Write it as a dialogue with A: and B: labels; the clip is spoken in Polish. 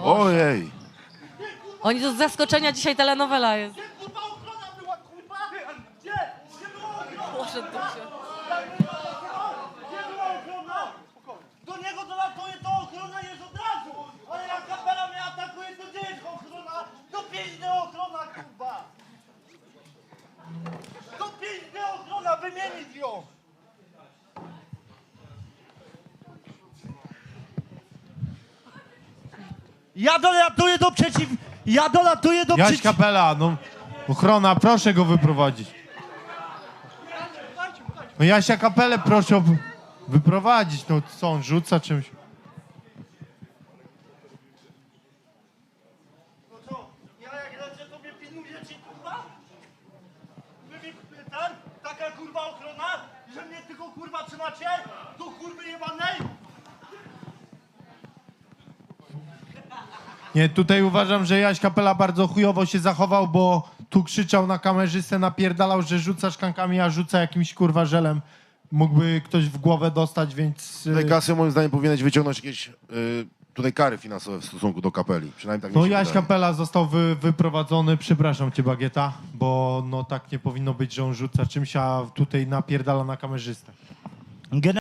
A: Ojej.
B: Oni to z zaskoczenia dzisiaj telenowela jest.
C: Gdzie kurwa ochrona była, kurwa? Gdzie? Gdzie była ochrona?
B: Poszedł tu się.
C: Gdzie była ochrona? Do niego dolatuje, to ochrona jest od razu. Ale jak kapela mnie atakuje, to gdzie jest ochrona? Do pięźny ochrona, kurwa. Do pięźny ochrona, wymienić ją. Ja dolatuję do przeciw... Ja dolatuję do
D: Jaś Kapela, no ochrona, proszę go wyprowadzić. No Jasia Kapelę proszę wyprowadzić, no co on rzuca czymś?
C: No co, ja jak lecę, tobie pilnuję ci, kurwa? Wy mi taka kurwa ochrona, że mnie tylko kurwa trzymacie? Do kurwy jebanej?
D: Nie, tutaj uważam, że Jaś Kapela bardzo chujowo się zachował, bo tu krzyczał na kamerzystę, napierdalał, że rzuca szklankami, a rzuca jakimś kurwa żelem. Mógłby ktoś w głowę dostać, więc...
A: Tutaj Kasio moim zdaniem powinieneś wyciągnąć jakieś tutaj kary finansowe w stosunku do kapeli. Przynajmniej tak mi
D: No
A: się
D: Jaś
A: wydaje.
D: Kapela został wyprowadzony, przepraszam cię Bagieta, bo no tak nie powinno być, że on rzuca czymś, a tutaj napierdala na kamerzystę.